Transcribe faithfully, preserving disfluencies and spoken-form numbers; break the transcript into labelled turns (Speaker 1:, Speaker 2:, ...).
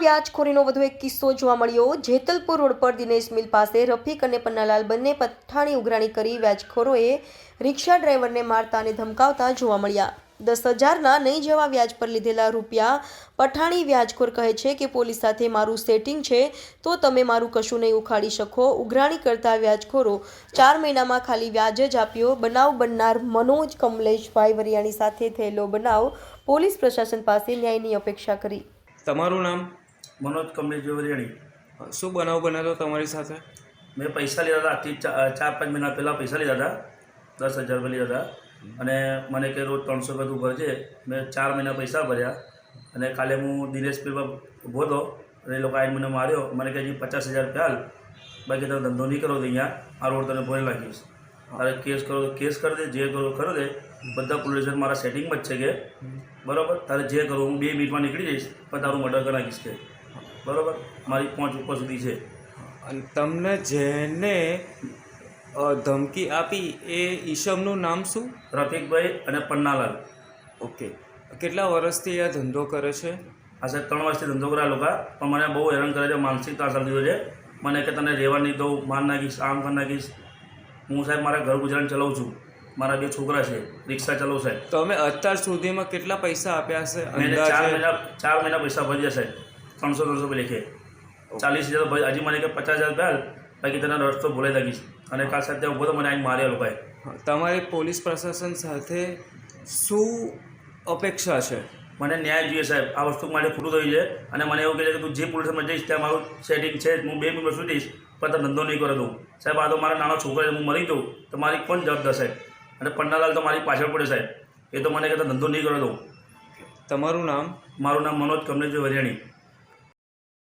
Speaker 1: વ્યાજખોરીનો વધુ એક કિસ્સો જોવા મળ્યો। જેતલપુર રોડ પર દિનેશ મિલ પાસે રફીક અને પન્નાલાલ બંને પઠાણી ઉઘરાણી કરી વ્યાજખોરોએ રિક્ષા ડ્રાઈવરને મારતા અને ધમકાવતા જોવા મળ્યા। દસ હજારના નહીં જેવા વ્યાજ પર લીધેલા રૂપિયા પઠાણી વ્યાજખોર કહે છે કે પોલીસ સાથે મારું સેટિંગ છે તો તમે મારું કશું નહીં ઉખાડી શકો। ઉઘરાણી કરતા વ્યાજખોરો ચાર મહિનામાં ખાલી વ્યાજ જ આપ્યો। બનાવ બનનાર મનોજ કમલેશભાઈ વરિયાણી સાથે થયેલો બનાવ પોલીસ પ્રશાસન પાસે ન્યાયની અપેક્ષા કરી।
Speaker 2: તમારું નામ?
Speaker 3: मनोज कमलेश वरियाणी।
Speaker 2: શું બનાવ બનેલો તમારી સાથે?
Speaker 3: मैं पैसा लीधा था आजથી ચાર પાંચ મહિના પહેલાં પૈસા લીધા હતા, દસ હજાર રૂપિયા લીધા હતા અને મને કે રોજ ત્રણસો રૂપિયા તું ભરજે। મેં ચાર મહિના પૈસા ભર્યા અને કાલે હું દિનેશ પીરમાં ઊભો હતો અને એ લોકો આવીને મને માર્યો। મને કે હજી પચાસ હજાર રૂપિયા હાલ, બાકી તમે ધંધો નહીં કરો તો અહીંયા આ રોડ તને ભરી નાખીશ, તારે કેસ કરો તો કેસ કરી દે, જે કરો કરો દે, બધા પોલીસ સ્ટેશન મારા સેટિંગમાં જ છે કે બરાબર, તારે જે કરું હું બે મિનિટમાં નીકળી જઈશ પણ તારું મર્ડર કરી નાખીશ કે બરાબર, મારી પહોંચ ઉપર સુધી છે।
Speaker 2: અને તમને જેને અ, ધમકી આપી એ ઈસમનું નામ શું?
Speaker 3: રફીકભાઈ અને પન્નાલાલ।
Speaker 2: ઓકે, કેટલા વર્ષથી આ ધંધો કરે છે?
Speaker 3: આ સાહેબ ત્રણ વર્ષથી ધંધો કરે આ લોકો, પણ મને બહુ હેરાન કરે છે, માનસિક ત્રાસ આપી દીધો છે મને કે તને રહેવા નહીં દઉં, માર નાખીશ, આમ કરી નાખીશ। હું સાહેબ મારા ઘર ગુજરાન ચલાવું છું, મારા બે છોકરા છે, રિક્ષા ચલાવું સાહેબ।
Speaker 2: તો અમે અત્યાર સુધીમાં કેટલા પૈસા આપ્યા હશે?
Speaker 3: મેં ચાર
Speaker 2: અંદાજે
Speaker 3: મહિના ચાર મહિના પૈસા ભર્યા સાહેબ, ત્રણસો ત્રણસો રૂપિયા લેખે, ચાલીસ હજાર ભરી, હજી મને કે પચાસ હજાર રૂપિયા બાકી તને રસ્તો ભૂલાઈ નાખીશ। અને કાલ સાથે ઉભો તો મને આવીને માર્યા લોકોએ।
Speaker 2: તમારી પોલીસ પ્રશાસન સાથે શું અપેક્ષા છે?
Speaker 3: મને ન્યાય જોઈએ સાહેબ, આ વસ્તુ માટે ખોટું થયું છે અને મને એવું કહે છે કે તું જે પોલીસમાં જઈશ ત્યાં મારું સેટિંગ છે, હું બે મિનિટ છૂટીશ પણ તો ધંધો નહીં કરે દઉં સાહેબ। આ તો મારા નાનો છોકરો છે, હું મરી દઉં તો મારી કોણ જવાબદાર સાહેબ? અને પન્નાલાલ તો મારી પાછળ પડે સાહેબ, એ તો મને કહેતા ધંધો નહીં કરે દઉં।
Speaker 2: તમારું નામ?
Speaker 3: મારું નામ મનોજ કમલેશ વરિયાણી।